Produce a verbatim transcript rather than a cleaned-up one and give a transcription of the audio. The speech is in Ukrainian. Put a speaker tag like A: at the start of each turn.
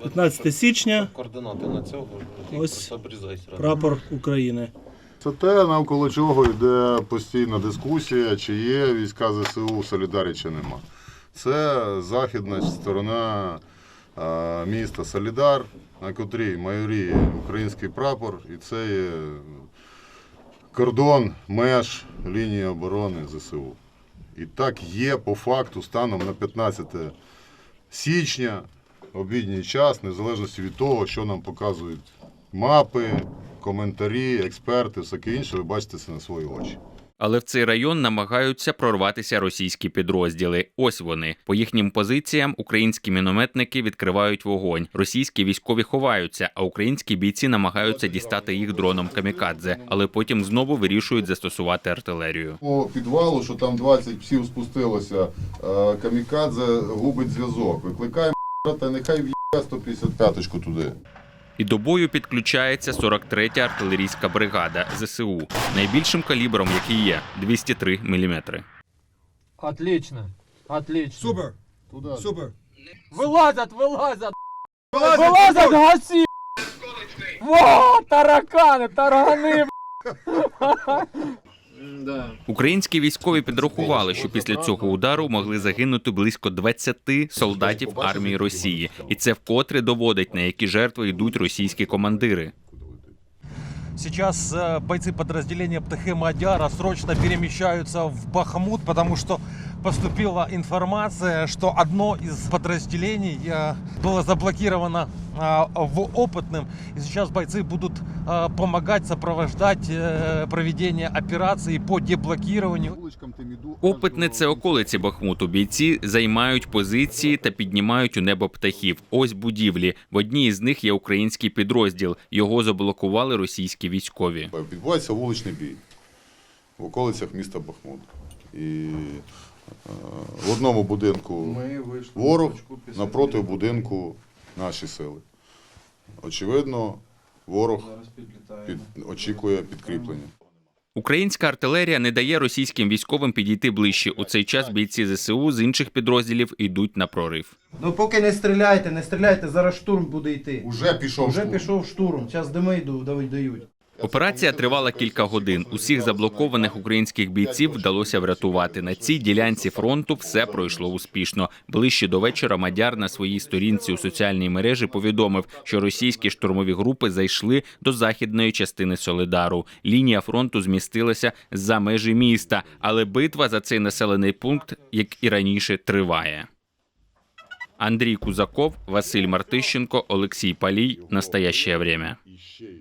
A: п'ятнадцяте січня,
B: Координати на цього.
A: ось прапор України.
C: Це те, навколо чого йде постійна дискусія, чи є війська зе се у в Солідарі, чи нема. Це західна сторона а, міста Солідар, на котрій майоріє український прапор, і це є кордон меж лінії оборони зе се у. І так є по факту станом на п'ятнадцяте січня, обідній час, незалежно від того, що нам показують мапи, коментарі, експерти, всяке інше, ви бачите це на свої очі.
D: Але в цей район намагаються прорватися російські підрозділи. Ось вони. По їхнім позиціям українські мінометники відкривають вогонь. Російські військові ховаються, а українські бійці намагаються дістати їх дроном камікадзе, але потім знову вирішують застосувати артилерію.
C: По підвалу, що там двадцять псів спустилося, камікадзе губить зв'язок. Викликаємо та нехай в'є сто п'ятдесят п'яточку туди.
D: І до бою підключається сорок третя артилерійська бригада зе се у, найбільшим калібром, який є – двісті три міліметри.
E: Отлично, отлично.
F: Супер,
C: Туди.
F: супер.
E: Вилазять, вилазять! Вилазять, гасі! Во, таракани, таргани!
D: Українські військові підрахували, що після цього удару могли загинути близько двадцяти солдатів армії Росії. І це вкотре доводить, на які жертви йдуть російські командири.
G: Сейчас э, бойцы подразделения Птахи Мадяра срочно перемещаются в Бахмут, потому что поступила информация, что одно из подразделений э, было заблокировано э, в Опытном. И сейчас бойцы будут э, помогать, сопровождать э, проведение операции по деблокированию.
D: Опитне – це околиці Бахмуту. Бійці займають позиції та піднімають у небо птахів. Ось будівлі. В одній із них є український підрозділ. Його заблокували російські військові.
C: Відбувається вуличний бій в околицях міста Бахмут. І е, в одному будинку ворог, напроти будинку наші сили. Очевидно, ворог під, очікує підкріплення.
D: Українська артилерія не дає російським військовим підійти ближче. У цей час бійці зе се у з інших підрозділів йдуть на прорив.
H: Ну поки не стріляйте, не стріляйте, зараз штурм буде йти.
C: Уже пішов
H: Уже
C: штурм.
H: пішов штурм, зараз дими йдуть, дають.
D: Операція тривала кілька годин. Усіх заблокованих українських бійців вдалося врятувати. На цій ділянці фронту все пройшло успішно. Ближче до вечора Мадяр на своїй сторінці у соціальній мережі повідомив, що російські штурмові групи зайшли до західної частини Солидару. Лінія фронту змістилася за межі міста, але битва за цей населений пункт, як і раніше, триває. Андрій Кузаков, Василь Мартищенко, Олексій Палій. Настоящее время.